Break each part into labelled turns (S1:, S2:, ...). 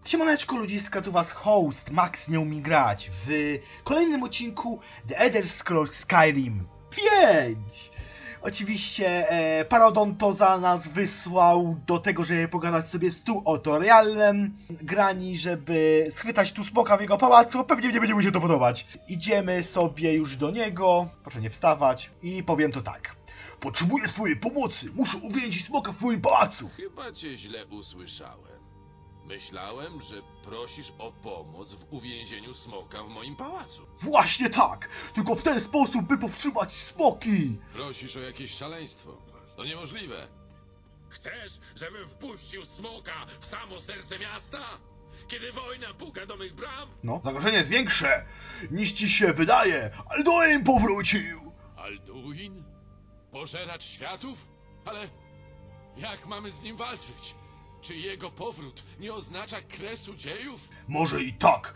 S1: Siemaneczko ludziska, tu was host, Max nie umie grać w kolejnym odcinku The Elder Scrolls Skyrim 5. Oczywiście Parodonto za nas wysłał do tego, żeby pogadać sobie z tu tutorialem Grani, żeby schwytać tu smoka w jego pałacu. Pewnie nie będzie mu się to podobać. Idziemy sobie już do niego, proszę nie wstawać, i powiem to tak. Potrzebuję twojej pomocy, muszę uwięzić smoka w moim pałacu.
S2: Chyba cię źle usłyszałem. Myślałem, że prosisz o pomoc w uwięzieniu smoka w moim pałacu.
S1: Właśnie tak! Tylko w ten sposób, by powstrzymać smoki!
S2: Prosisz o jakieś szaleństwo. To niemożliwe.
S3: Chcesz, żebym wpuścił smoka w samo serce miasta? Kiedy wojna puka do mych bram?
S1: No, zagrożenie jest większe niż ci się wydaje! Alduin powrócił!
S2: Alduin? Pożeracz światów? Ale jak mamy z nim walczyć? Czy jego powrót nie oznacza kresu dziejów?
S1: Może i tak,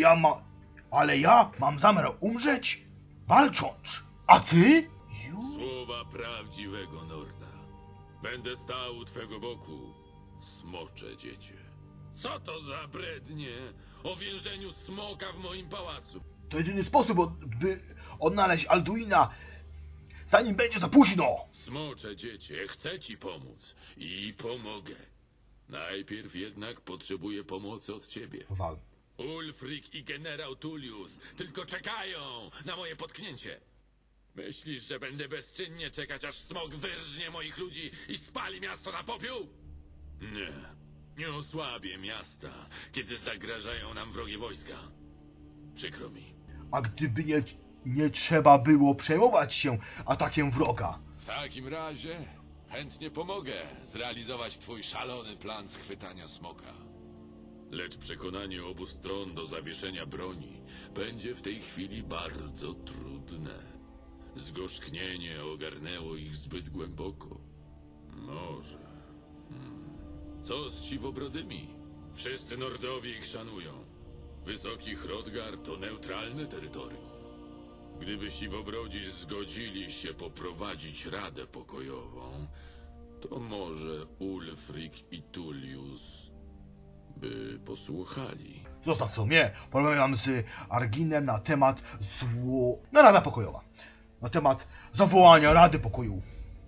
S1: ale ja mam zamiar umrzeć walcząc. A ty?
S3: Słowa prawdziwego Norda. Będę stał u twego boku, smocze dziecię. Co to za brednie o więzieniu smoka w moim pałacu?
S1: To jedyny sposób, by odnaleźć Alduina, zanim będzie za późno!
S3: Smocze dziecię, chcę ci pomóc i pomogę. Najpierw jednak potrzebuję pomocy od ciebie.
S1: Wal.
S3: Ulfric i generał Tullius tylko czekają na moje potknięcie. Myślisz, że będę bezczynnie czekać, aż smok wyrżnie moich ludzi i spali miasto na popiół? Nie. Nie osłabię miasta, kiedy zagrażają nam wrogie wojska. Przykro mi.
S1: A gdyby nie trzeba było przejmować się atakiem wroga?
S2: W takim razie chętnie pomogę zrealizować twój szalony plan schwytania smoka.
S3: Lecz przekonanie obu stron do zawieszenia broni będzie w tej chwili bardzo trudne. Zgorzknienie ogarnęło ich zbyt głęboko. Może. Co z siwobrodymi? Wszyscy Nordowie ich szanują. Wysoki Hrothgar to neutralne terytorium. Gdyby siwobrodzi zgodzili się poprowadzić radę pokojową, to może Ulfric i Tullius by posłuchali.
S1: Zostaw co mnie, porozmawiam z Arginem na temat Rada pokojowa. Na temat zawołania Rady Pokoju.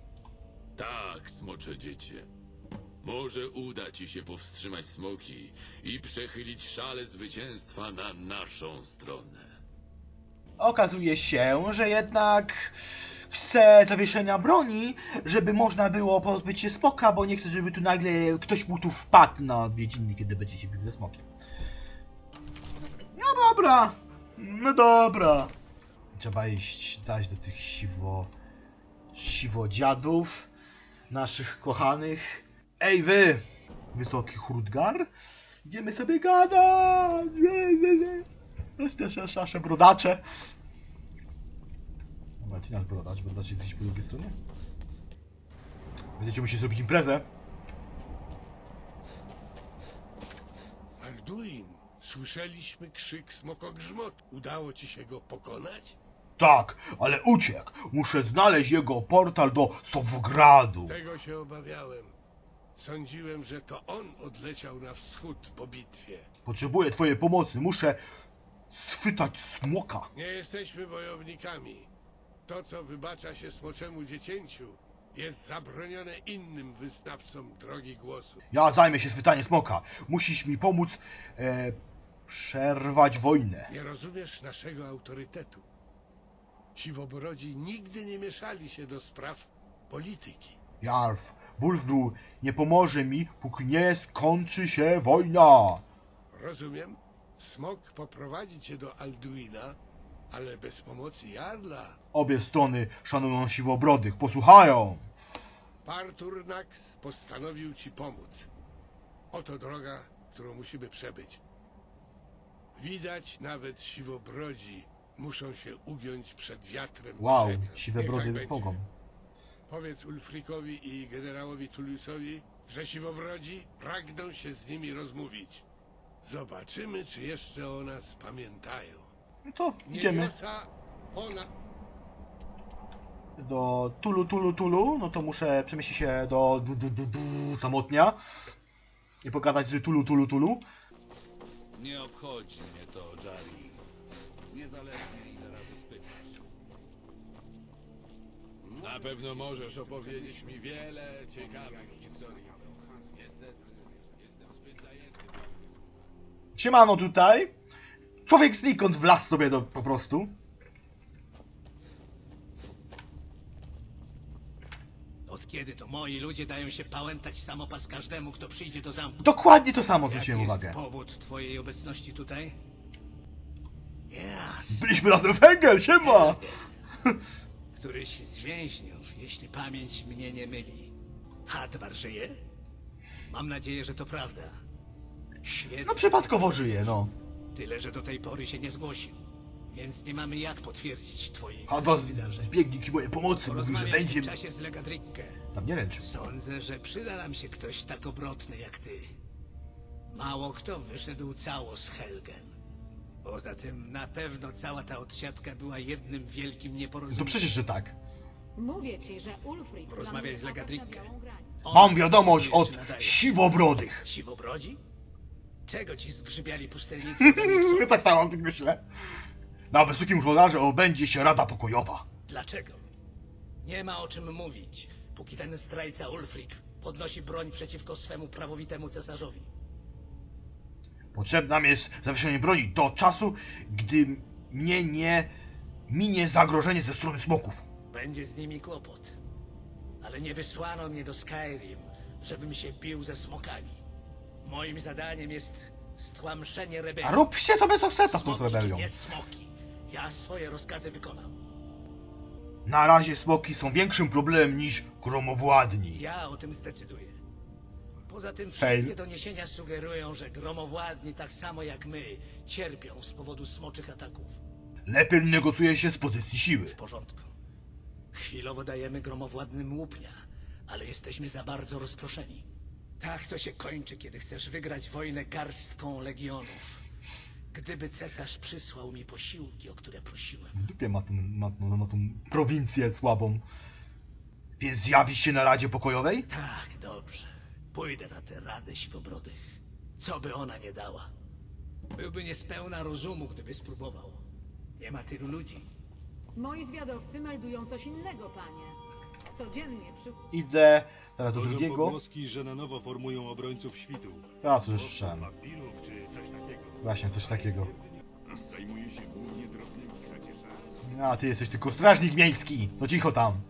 S3: Tak, smocze dziecię. Może uda ci się powstrzymać smoki i przechylić szale zwycięstwa na naszą stronę.
S1: Okazuje się, że jednak chce zawieszenia broni, żeby można było pozbyć się smoka, bo nie chce, żeby tu nagle ktoś mu tu wpadł na odwiedziny, kiedy będzie się bił ze smokiem. No dobra, no dobra. Trzeba iść zaś do tych siwodziadów, naszych kochanych. Ej wy, wysoki Hrothgar, idziemy sobie gadać. Nasze brodacze. Dobra, ci nasz brodacz jesteś po drugiej stronie. Będziecie musieli zrobić imprezę.
S4: Alduin, słyszeliśmy krzyk smokogrzmot. Udało ci się go pokonać?
S1: Tak, ale uciekł. Muszę znaleźć jego portal do Sowgradu.
S4: Tego się obawiałem. Sądziłem, że to on odleciał na wschód po bitwie.
S1: Potrzebuję twojej pomocy. Muszę schwytać smoka.
S4: Nie jesteśmy wojownikami. To, co wybacza się smoczemu dziecięciu, jest zabronione innym wyznawcom drogi głosu.
S1: Ja zajmę się schwytaniem smoka. Musisz mi pomóc przerwać wojnę.
S4: Nie rozumiesz naszego autorytetu. Siwobrodzi nigdy nie mieszali się do spraw polityki.
S1: Jarl, Bulfdur nie pomoże mi, póki nie skończy się wojna.
S4: Rozumiem? Smok poprowadzi cię do Alduina, ale bez pomocy Jarla.
S1: Obie strony szanują siwobrodych. Posłuchają.
S4: Parturnax postanowił ci pomóc. Oto droga, którą musimy przebyć. Widać, nawet siwobrodzi muszą się ugiąć przed wiatrem
S1: Wow,
S4: przemian.
S1: siwe
S4: Niech
S1: brody
S4: tak będzie.
S1: pomogą.
S4: Powiedz Ulfricowi i generałowi Tulliusowi, że siwobrodzi pragną się z nimi rozmówić. Zobaczymy, czy jeszcze o nas pamiętają.
S1: No to idziemy
S4: Niebiosa
S1: do Tulu. No to muszę przemieścić się do samotnia i pogadać z Tulu.
S5: Nie obchodzi mnie to, Jari. Niezależnie ile razy spytasz.
S2: Na pewno możesz opowiedzieć mi wiele ciekawych historii. Niestety, jestem zbyt zajęty, by ich wysłuchać.
S1: Siemano tutaj. Człowiek znikąd wlazł sobie po prostu.
S6: Od kiedy to moi ludzie dają się pałętać samopas każdemu, kto przyjdzie do zamku?
S1: Dokładnie to samo
S6: Jaki
S1: zwróciłem
S6: jest
S1: uwagę.
S6: powód twojej obecności tutaj? Jasne.
S1: Byliśmy razem w Węgiel, siema!
S6: Któryś z więźniów, jeśli pamięć mnie nie myli. Hadwar żyje? Mam nadzieję, że to prawda. Świetnie.
S1: No przypadkowo żyje, no.
S6: Tyle, że do tej pory się nie zgłosił. Więc nie mamy jak potwierdzić twojej
S1: Hadwa
S6: wersji wydarzeń.
S1: zbiegnie mojej pomocy, mówi, że
S6: Porozmawiaj
S1: będzie...
S6: w tym czasie z Legadrickę.
S1: Tam nie ręczył.
S6: Sądzę, że przyda nam się ktoś tak obrotny jak ty. Mało kto wyszedł cało z Helgen. Poza tym na pewno cała ta odsiadka była jednym wielkim
S1: To
S6: nieporozumieniem.
S1: przecież, że tak.
S7: Mówię ci, że Ulfric
S6: Porozmawiaj z
S7: planuje atak
S6: Legadrickę.
S7: na Białą Grań.
S6: Ona
S1: Mam wiadomość
S6: decyduje,
S1: od
S6: czy nadaje.
S1: siwobrodych.
S6: Siwobrodzi? Czego ci zgrzybiali pustelnicy ode mnie chcą?
S1: Tak samo o tym myślę. Na wysokim żołnierze odbędzie się Rada Pokojowa.
S6: Dlaczego? Nie ma o czym mówić, póki ten zdrajca Ulfric podnosi broń przeciwko swemu prawowitemu cesarzowi.
S1: Potrzebne nam jest zawieszenie broni do czasu, gdy mnie nie minie zagrożenie ze strony smoków.
S6: Będzie z nimi kłopot. Ale nie wysłano mnie do Skyrim, żebym się bił ze smokami. Moim zadaniem jest stłamszenie
S1: A
S6: rebelii.
S1: róbcie sobie co chce z tą
S6: Smoki
S1: rebelią.
S6: czy nie smoki. Ja swoje rozkazy wykonam.
S1: Na razie smoki są większym problemem niż gromowładni.
S6: Ja o tym zdecyduję. Poza tym
S1: Fail.
S6: wszystkie doniesienia sugerują, że gromowładni tak samo jak my cierpią z powodu smoczych ataków.
S1: Lepiej negocjuje się z pozycji siły.
S6: W porządku. Chwilowo dajemy gromowładnym łupnia, ale jesteśmy za bardzo rozproszeni. Tak to się kończy, kiedy chcesz wygrać wojnę garstką legionów. Gdyby cesarz przysłał mi posiłki, o które prosiłem.
S1: W dupie ma tą prowincję słabą. Więc zjawi się na Radzie Pokojowej?
S6: Tak, dobrze. Pójdę na tę radę siwobrodych. Co by ona nie dała? Byłby niespełna rozumu, gdyby spróbował. Nie ma tylu ludzi.
S7: Moi zwiadowcy meldują coś innego, panie. Codziennie przy...
S1: Idę teraz do
S8: Chodzą
S1: drugiego.
S8: pogłoski, że na nowo formują obrońców świtu.
S1: Teraz już słyszałem.
S8: Wampirów czy coś takiego.
S1: Właśnie, coś takiego.
S8: Zajmuje się głównie drobnymi kradzieżami.
S1: A ty jesteś tylko strażnik miejski. No cicho tam.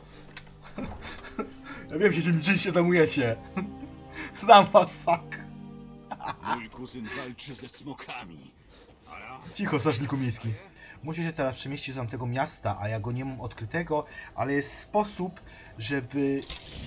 S1: Ja wiem, czym się zajmujecie. Znam was, fuck.
S5: Mój kuzyn walczy ze smokami.
S1: Cicho, strażniku miejski. Muszę się teraz przemieścić do tamtego miasta, a ja go nie mam odkrytego, ale jest sposób, żeby...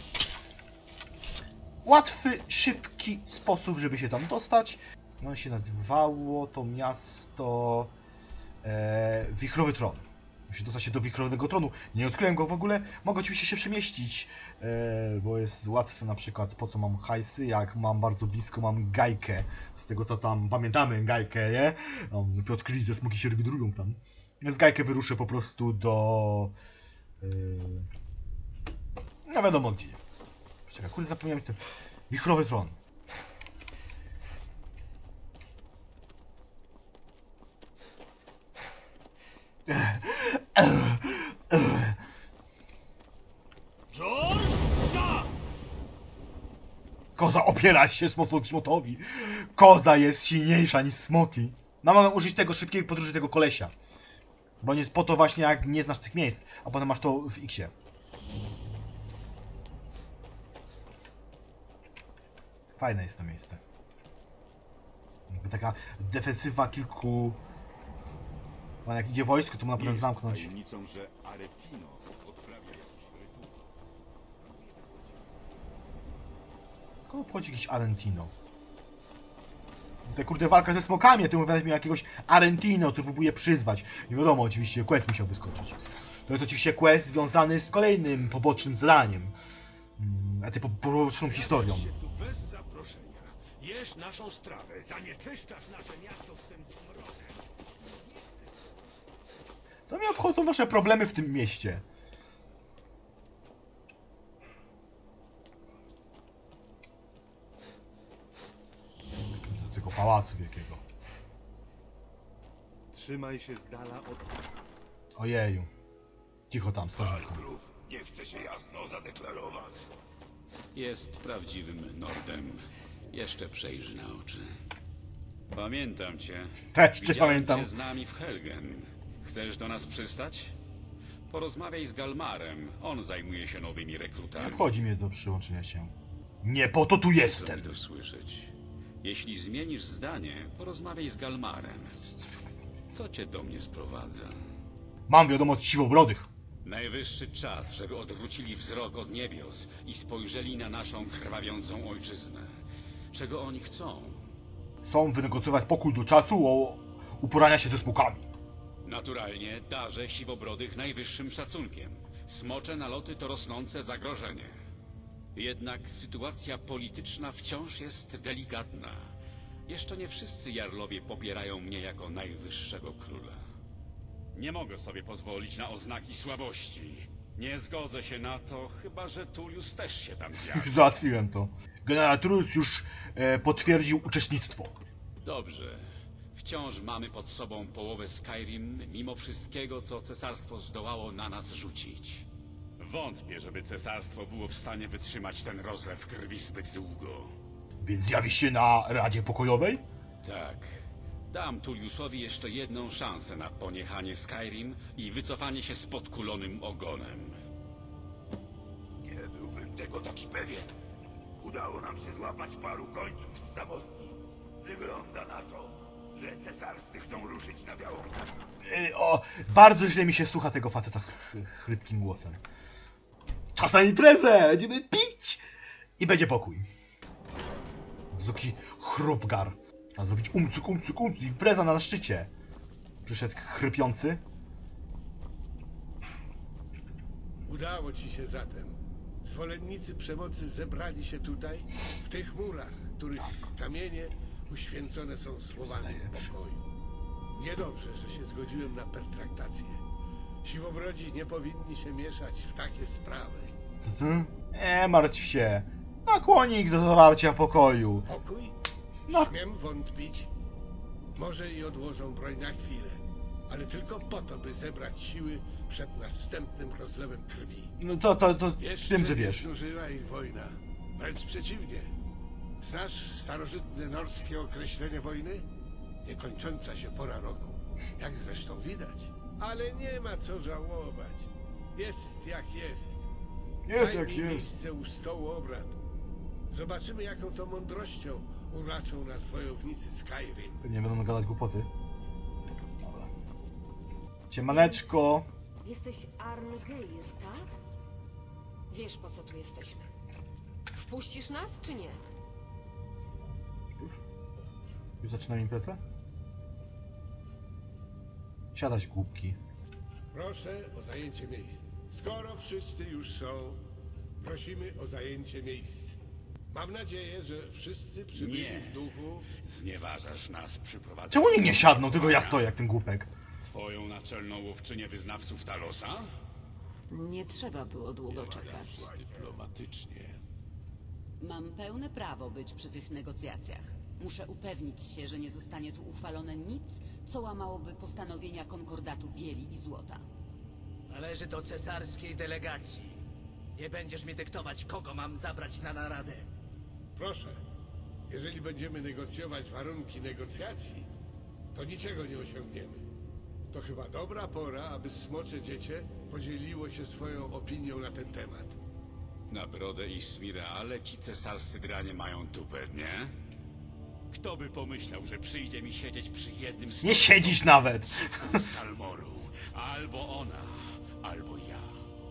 S1: Łatwy, szybki sposób, żeby się tam dostać. No się nazywało to miasto... Wichrowy Tron. Muszę dostać się do Wichrowego Tronu. Nie odkryłem go w ogóle. Mogę oczywiście się przemieścić, bo jest łatwe na przykład po co mam hajsy, jak mam bardzo blisko, mam Gajkę. Z tego co tam pamiętamy Gajkę, nie? Odkryli ze smoki się regrują tam. Z Gajkę wyruszę po prostu do... no wiadomo gdzie. Czekaj, kurde zapomniałem ten... Wichrowy Tron. Koza opiera się smokogrzmotowi. Koza jest silniejsza niż smoki. No mogę użyć tego szybkiej podróży tego kolesia. Bo nie jest po to właśnie jak nie znasz tych miejsc, a potem masz to w X-ie. Fajne jest to miejsce. Jakby taka defensywa kilku... No jak idzie wojsko, to można potem zamknąć.
S5: tajemnicą, że Aretino odprawia jakiś rytuał.
S1: Skąd obchodzi jakiś Arentino? Ta kurde walka ze smokami, a ty mówisz mi jakiegoś Arentino, co próbuje przyzwać. Nie wiadomo, oczywiście quest musiał wyskoczyć. To jest oczywiście quest związany z kolejnym pobocznym zadaniem. Poboczną historią.
S4: Tu bez zaproszenia. Jesz naszą strawę, zanieczyszczasz nasze miasto swym smrodem.
S1: Co mnie obchodzą wasze problemy w tym mieście? Do tego pałacu wielkiego.
S8: Trzymaj się z dala od...
S1: Ojeju. Cicho tam, stworzonko.
S9: Nie chce się jasno zadeklarować.
S5: Jest prawdziwym Nordem. Jeszcze przejrzy na oczy. Pamiętam cię.
S1: Też cię
S5: Widziałem
S1: pamiętam.
S5: cię z nami w Helgen. Chcesz do nas przystać? Porozmawiaj z Galmarem. On zajmuje się nowymi
S1: Nie
S5: rekrutami.
S1: obchodzi mnie do przyłączenia się. Nie po to tu
S5: Chcę
S1: jestem!
S5: mi to słyszeć. Jeśli zmienisz zdanie, porozmawiaj z Galmarem. Co cię do mnie sprowadza?
S1: Mam wiadomość siwobrodych.
S5: Najwyższy czas, żeby odwrócili wzrok od niebios i spojrzeli na naszą krwawiącą ojczyznę. Czego oni chcą?
S1: Chcą wynegocjować pokój do czasu o uporania się ze smokami.
S5: Naturalnie darzę siwobrodych najwyższym szacunkiem. Smocze naloty to rosnące zagrożenie. Jednak sytuacja polityczna wciąż jest delikatna. Jeszcze nie wszyscy jarlowie popierają mnie jako najwyższego króla. Nie mogę sobie pozwolić na oznaki słabości. Nie zgodzę się na to, chyba że Tullius też się tam
S1: Już
S5: zjawi.
S1: załatwiłem to. Generał Tullius już potwierdził uczestnictwo.
S5: Dobrze. Wciąż mamy pod sobą połowę Skyrim, mimo wszystkiego, co cesarstwo zdołało na nas rzucić. Wątpię, żeby cesarstwo było w stanie wytrzymać ten rozlew krwi zbyt długo.
S1: Więc zjawi się na Radzie Pokojowej?
S5: Tak. Dam Tulliusowi jeszcze jedną szansę na poniechanie Skyrim i wycofanie się z podkulonym ogonem.
S9: Nie byłbym tego taki pewien. Udało nam się złapać paru końców z zawodni. Wygląda na to, że cesarscy chcą ruszyć na białą kartę.
S1: Bardzo źle mi się słucha tego faceta z chrypkim głosem. Czas na imprezę! Będziemy pić! I będzie pokój. Zuki chrupgar. Trzeba zrobić umcuk, impreza na szczycie. Przyszedł chrypiący.
S4: Udało ci się zatem. Zwolennicy przemocy zebrali się tutaj, w tych murach, których kamienie uświęcone są słowami pokoju. Niedobrze, że się zgodziłem na pertraktację. Siwobrodzi nie powinni się mieszać w takie sprawy.
S1: Nie martw się. Nakłoni ich do zawarcia pokoju.
S4: Pokój?
S1: No.
S4: Śmiem wątpić. Może i odłożą broń na chwilę, ale tylko po to, by zebrać siły przed następnym rozlewem krwi.
S1: No to wiem, że
S4: nie
S1: wiesz.
S4: znużyła ich wojna. Wręcz przeciwnie. Znasz starożytne norskie określenie wojny? Niekończąca się pora roku. Jak zresztą widać. Ale nie ma co żałować. Jest jak jest.
S1: Jest
S4: Zajmij
S1: jak jest.
S4: miejsce u stołu obrad. Zobaczymy, jaką to mądrością uraczą nas wojownicy Skyrim.
S1: Nie będą gadać głupoty. Dobra. Ciemaneczko.
S10: Jesteś Arngeir, tak? Wiesz, po co tu jesteśmy. Wpuścisz nas, czy nie?
S1: Już zaczynam imprezę? Siadać głupki.
S4: Proszę o zajęcie miejsc. Skoro wszyscy już są, prosimy o zajęcie miejsc. Mam nadzieję, że wszyscy przybyli
S5: Nie.
S4: w duchu.
S5: Znieważasz nas przyprowadzając...
S1: Czemu nikt nie siadną, tylko ja stoję jak ten głupek?
S5: Twoją naczelną łowczynię wyznawców Talosa?
S10: Nie trzeba było długo czekać.
S5: Dyplomatycznie.
S11: Mam pełne prawo być przy tych negocjacjach. Muszę upewnić się, że nie zostanie tu uchwalone nic, co łamałoby postanowienia konkordatu bieli i złota.
S6: Należy do cesarskiej delegacji. Nie będziesz mi dyktować, kogo mam zabrać na naradę.
S4: Proszę, jeżeli będziemy negocjować warunki negocjacji, to niczego nie osiągniemy. To chyba dobra pora, aby smocze dziecię podzieliło się swoją opinią na ten temat.
S5: Na brodę i Smira, ale ci cesarscy dranie mają tupę, nie? Kto by pomyślał, że przyjdzie mi siedzieć przy jednym z...
S1: Nie siedzisz nawet!
S5: z Salmoru. Albo ona, albo ja.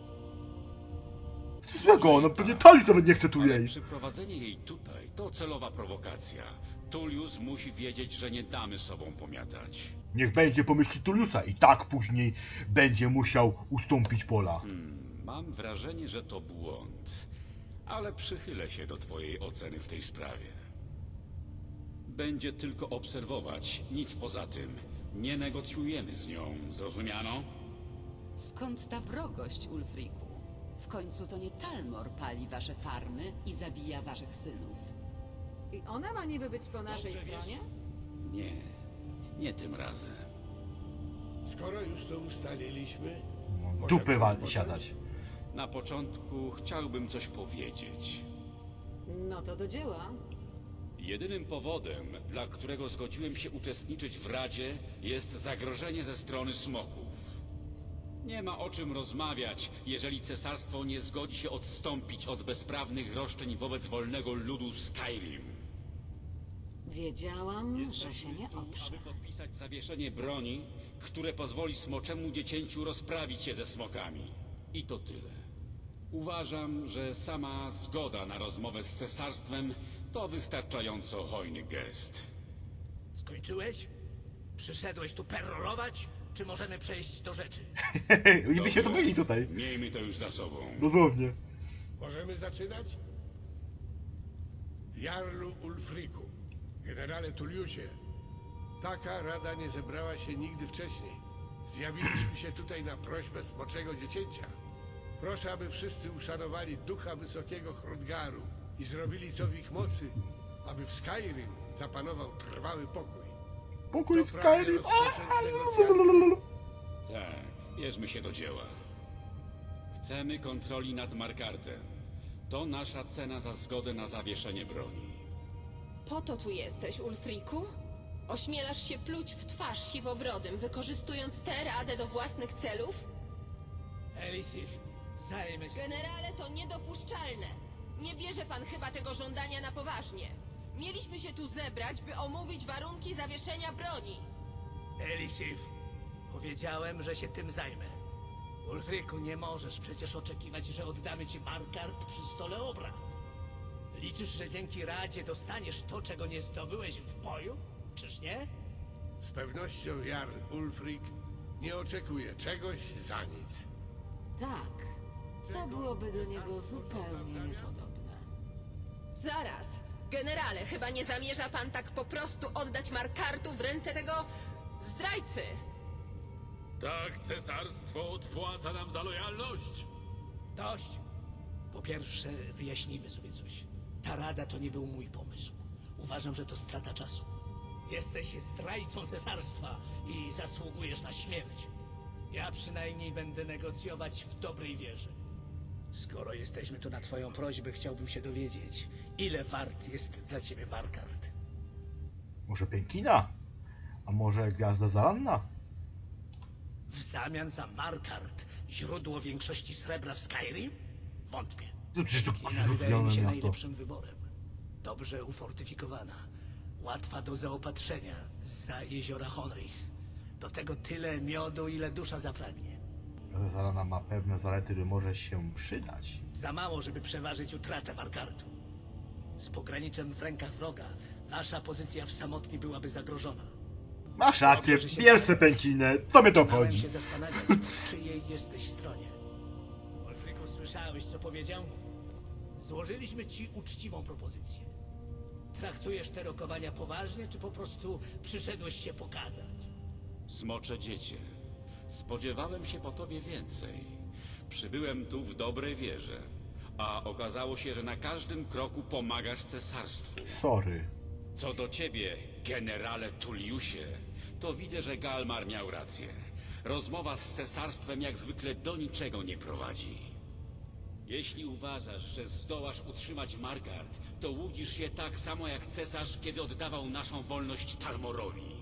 S1: Co złego? No pewnie Talis nawet nie chce tu
S5: Ale
S1: jej.
S5: przyprowadzenie jej tutaj to celowa prowokacja. Tullius musi wiedzieć, że nie damy sobą pomiatać.
S1: Niech będzie po myśli Tulliusa i tak później będzie musiał ustąpić pola.
S5: Mam wrażenie, że to błąd. Ale przychylę się do twojej oceny w tej sprawie. Będzie tylko obserwować, nic poza tym. Nie negocjujemy z nią, zrozumiano?
S11: Skąd ta wrogość, Ulfriku? W końcu to nie Talmor pali wasze farmy i zabija waszych synów.
S7: I ona ma niby być po naszej stronie?
S5: Nie, nie tym razem.
S4: Skoro już to ustaliliśmy,
S1: Dupy
S4: możemy
S1: siadać.
S5: Na początku chciałbym coś powiedzieć.
S7: No to do dzieła.
S5: Jedynym powodem, dla którego zgodziłem się uczestniczyć w Radzie, jest zagrożenie ze strony smoków. Nie ma o czym rozmawiać, jeżeli cesarstwo nie zgodzi się odstąpić od bezprawnych roszczeń wobec wolnego ludu Skyrim.
S7: Wiedziałam, że się nie
S5: tu,
S7: oprze.
S5: aby podpisać zawieszenie broni, które pozwoli smoczemu dziecięciu rozprawić się ze smokami. I to tyle. Uważam, że sama zgoda na rozmowę z cesarstwem to wystarczająco hojny gest.
S6: Skończyłeś? Przyszedłeś tu perorować? Czy możemy przejść do rzeczy?
S1: Oni by się
S5: Dobrze.
S1: dobili tutaj.
S5: Miejmy to już za sobą.
S1: Dosłownie.
S4: Możemy zaczynać? Jarlu Ulfriku, generale Tulliusie, taka rada nie zebrała się nigdy wcześniej. Zjawiliśmy się tutaj na prośbę smoczego dziecięcia. Proszę, aby wszyscy uszanowali ducha wysokiego Hrodgaru i zrobili co w ich mocy, aby w Skyrim zapanował trwały pokój.
S1: Pokój w
S4: To pragnie
S1: Skyrim.
S4: rozpocząć negocjacje.
S5: Tak, bierzmy się do dzieła. Chcemy kontroli nad Markartem. To nasza cena za zgodę na zawieszenie broni.
S10: Po to tu jesteś, Ulfriku? Ośmielasz się pluć w twarz siwobrodym, wykorzystując tę radę do własnych celów?
S6: Elisif, zajmę się...
S10: Generale, to niedopuszczalne. Nie bierze pan chyba tego żądania na poważnie. Mieliśmy się tu zebrać, by omówić warunki zawieszenia broni.
S6: Elisif, powiedziałem, że się tym zajmę. Ulfriku, nie możesz przecież oczekiwać, że oddamy ci Markart przy stole obrad. Liczysz, że dzięki Radzie dostaniesz to, czego nie zdobyłeś w boju? Czyż nie?
S4: Z pewnością Jarl Ulfric nie oczekuje czegoś za nic.
S7: Tak. To byłoby do niego zupełnie niepodobne.
S10: Zaraz. Generale, chyba nie zamierza pan tak po prostu oddać Markartu w ręce tego zdrajcy.
S2: Tak, cesarstwo odpłaca nam za lojalność.
S6: Dość. Po pierwsze, wyjaśnijmy sobie coś. Ta rada to nie był mój pomysł. Uważam, że to strata czasu. Jesteś zdrajcą cesarstwa i zasługujesz na śmierć. Ja przynajmniej będę negocjować w dobrej wierze. Skoro jesteśmy tu na twoją prośbę, chciałbym się dowiedzieć, ile wart jest dla ciebie Markart.
S1: Może Pękina? A może Gwiazda Zaranna?
S6: W zamian za Markart źródło większości srebra w Skyrim? Wątpię.
S1: No przecież to
S6: Kina wydaje
S1: kurwione
S6: mi się
S1: miasto.
S6: najlepszym wyborem. Dobrze ufortyfikowana, łatwa do zaopatrzenia zza jeziora Honrich. Do tego tyle miodu, ile dusza zapragnie.
S1: Gwiazda Zarana ma pewne zalety, które może się przydać.
S6: Za mało, żeby przeważyć utratę Markartu. Z pograniczem w rękach wroga, nasza pozycja w samotni byłaby zagrożona.
S1: Masz rację, bierz se Pękinę, co mnie to
S6: Miałem
S1: chodzi?
S6: się zastanawiać, po czyjej jesteś stronie. Wolfriku, słyszałeś, co powiedział? Złożyliśmy ci uczciwą propozycję. Traktujesz te rokowania poważnie, czy po prostu przyszedłeś się pokazać?
S5: Smocze dziecię, spodziewałem się po tobie więcej. Przybyłem tu w dobrej wierze, a okazało się, że na każdym kroku pomagasz cesarstwu.
S1: Sorry.
S5: Co do ciebie, generale Tulliusie, to widzę, że Galmar miał rację. Rozmowa z cesarstwem jak zwykle do niczego nie prowadzi. Jeśli uważasz, że zdołasz utrzymać Markart, to łudzisz się tak samo jak cesarz, kiedy oddawał naszą wolność Talmorowi.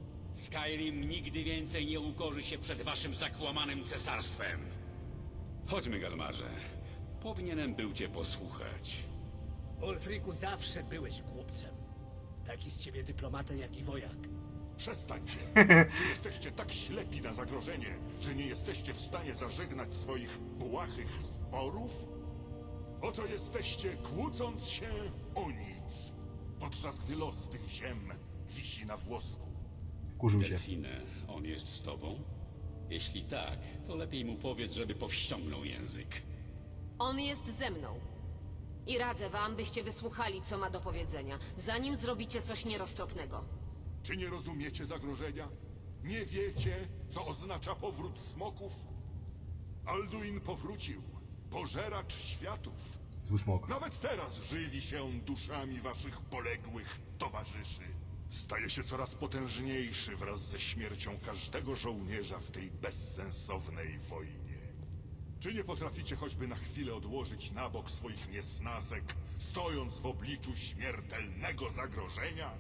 S5: Skyrim nigdy więcej nie ukorzy się przed waszym zakłamanym cesarstwem. Chodźmy, Galmarze. Powinienem był cię posłuchać.
S6: Ulfriku, zawsze byłeś głupcem. Taki z ciebie dyplomata, jak i wojak.
S9: Przestańcie. Czy jesteście tak ślepi na zagrożenie, że nie jesteście w stanie zażegnać swoich błahych sporów? Oto jesteście, kłócąc się o nic, podczas gdy los tych ziem wisi na włosku.
S1: Kurzył się.
S5: Delfinę, on jest z tobą? Jeśli tak, to lepiej mu powiedz, żeby powściągnął język.
S10: On jest ze mną. I radzę wam, byście wysłuchali, co ma do powiedzenia, zanim zrobicie coś nieroztropnego.
S9: Czy nie rozumiecie zagrożenia? Nie wiecie, co oznacza powrót smoków? Alduin powrócił, pożeracz światów.
S1: Zły smok.
S9: Nawet teraz żywi się duszami waszych poległych towarzyszy. staje się coraz potężniejszy wraz ze śmiercią każdego żołnierza w tej bezsensownej wojnie. Czy nie potraficie choćby na chwilę odłożyć na bok swoich niesnasek, stojąc w obliczu śmiertelnego zagrożenia?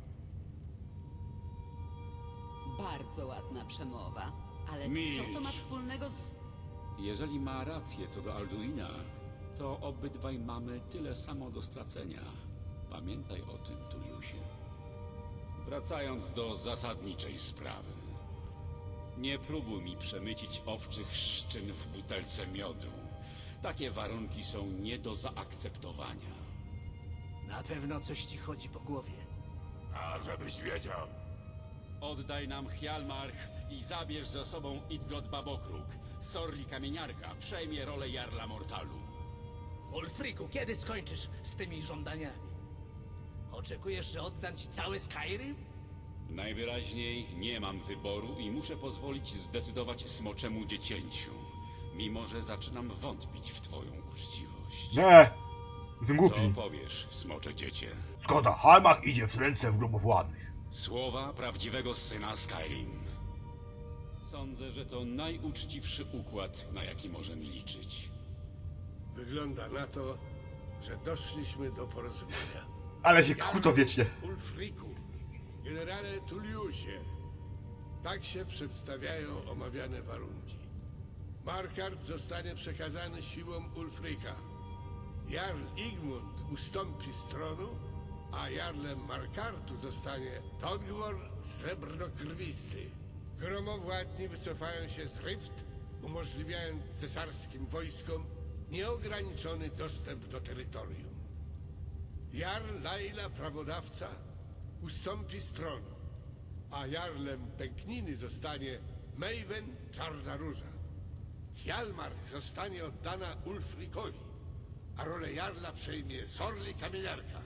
S11: Bardzo ładna przemowa. Ale
S5: Milcz.
S11: co to ma wspólnego z...
S5: Jeżeli ma rację co do Alduina, to obydwaj mamy tyle samo do stracenia. Pamiętaj o tym, Tulliusie. Wracając do zasadniczej sprawy. Nie próbuj mi przemycić owczych szczyn w butelce miodu. Takie warunki są nie do zaakceptowania.
S6: Na pewno coś ci chodzi po głowie.
S9: A żebyś wiedział.
S5: Oddaj nam Hjalmark i zabierz ze sobą Idgod Babokruk. Sorli Kamieniarka przejmie rolę Jarla Mortalu.
S6: Ulfriku, kiedy skończysz z tymi żądaniami? Oczekujesz, że oddam ci cały Skyrim?
S5: Najwyraźniej nie mam wyboru i muszę pozwolić zdecydować smoczemu dziecięciu. Mimo że zaczynam wątpić w twoją uczciwość.
S1: Nie! Jestem
S5: Co
S1: głupi.
S5: powiesz, smocze dziecię?
S1: Zgoda, Hjalmark idzie w ręce w gromowładnych.
S5: Słowa prawdziwego syna Skyrim. Sądzę, że to najuczciwszy układ, na jaki możemy liczyć.
S4: Wygląda na to, że doszliśmy do porozumienia.
S1: Ale się kłócą wiecznie.
S4: Ulfriku, generale Tulliusie, tak się przedstawiają omawiane warunki. Markart zostanie przekazany siłom Ulfrika. Jarl Igmund ustąpi z tronu, a jarlem Markartu zostanie Todgwor Srebrnokrwisty. Gromowładni wycofają się z Rift, umożliwiając cesarskim wojskom nieograniczony dostęp do terytorium. Jarl Laila Prawodawca ustąpi z tronu, a jarlem Pękniny zostanie Maven Czarna Róża. Hjalmark zostanie oddana Ulfrikowi, a rolę jarla przejmie Sorli Kamieniarka.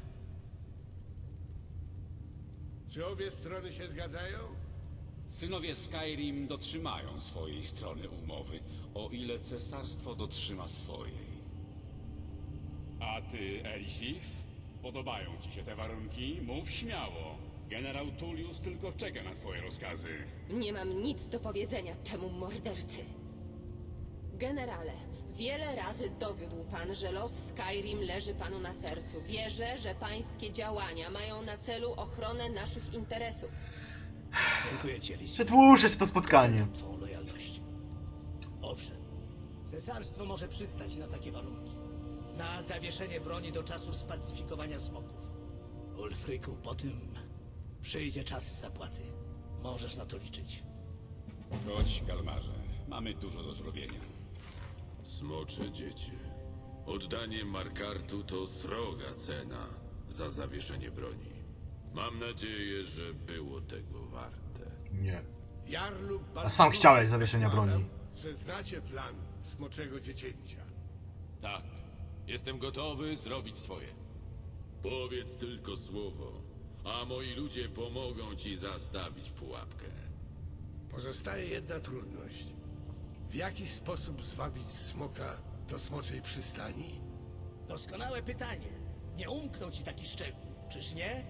S4: Czy obie strony się zgadzają?
S5: Synowie Skyrim dotrzymają swojej strony umowy, o ile cesarstwo dotrzyma swojej. A ty, Elisif? Podobają ci się te warunki? Mów śmiało. Generał Tullius tylko czeka na twoje rozkazy.
S10: Nie mam nic do powiedzenia temu mordercy. Generale, wiele razy dowiódł pan, że los Skyrim leży panu na sercu. Wierzę, że pańskie działania mają na celu ochronę naszych interesów.
S6: Dziękuję ci, Elis.
S1: Przedłużę się to spotkanie.
S6: Twą lojalność. Owszem, cesarstwo może przystać na takie warunki. Na zawieszenie broni do czasu spacyfikowania smoków. Ulfriku, po tym przyjdzie czas zapłaty. Możesz na to liczyć.
S5: Chodź, Galmarze. Mamy dużo do zrobienia.
S2: Smocze dziecię. Oddanie Markartu to sroga cena za zawieszenie broni. Mam nadzieję, że było tego warte.
S1: Nie.
S4: Jarlu
S1: A sam chciałeś zawieszenia broni.
S4: Że znacie plan Smoczego Dziecięcia.
S2: Tak, jestem gotowy zrobić swoje. Powiedz tylko słowo, a moi ludzie pomogą ci zastawić pułapkę.
S4: Pozostaje jedna trudność. W jaki sposób zwabić smoka do Smoczej Przystani?
S6: Doskonałe pytanie. Nie umknął ci taki szczegół, czyż nie?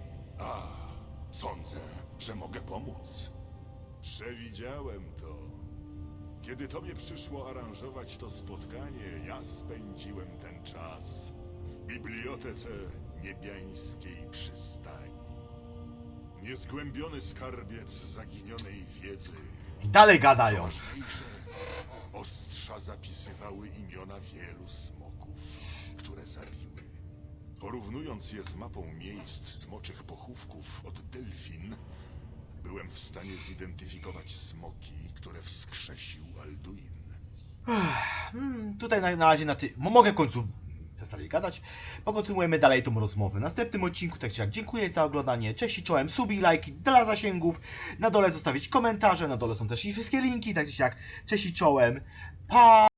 S9: Sądzę, że mogę pomóc. Przewidziałem to. Kiedy tobie przyszło aranżować to spotkanie, ja spędziłem ten czas w bibliotece niebiańskiej przystani. Niezgłębiony skarbiec zaginionej wiedzy.
S1: I dalej gadają.
S9: Ważniejsze, ostrza zapisywały imiona wielu smoków, które zabiły. Porównując je z mapą miejsc smoczych pochówków od Delfin, byłem w stanie zidentyfikować smoki, które wskrzesił Alduin.
S1: Tutaj na razie mogę w końcu przestali gadać. Pokontynuujemy dalej tą rozmowę. W następnym odcinku, tak czy jak, dziękuję za oglądanie. Cześć i czołem, suby i lajki dla zasięgów. Na dole zostawić komentarze, na dole są też i wszystkie linki, tak czy jak, cześć i czołem. Pa!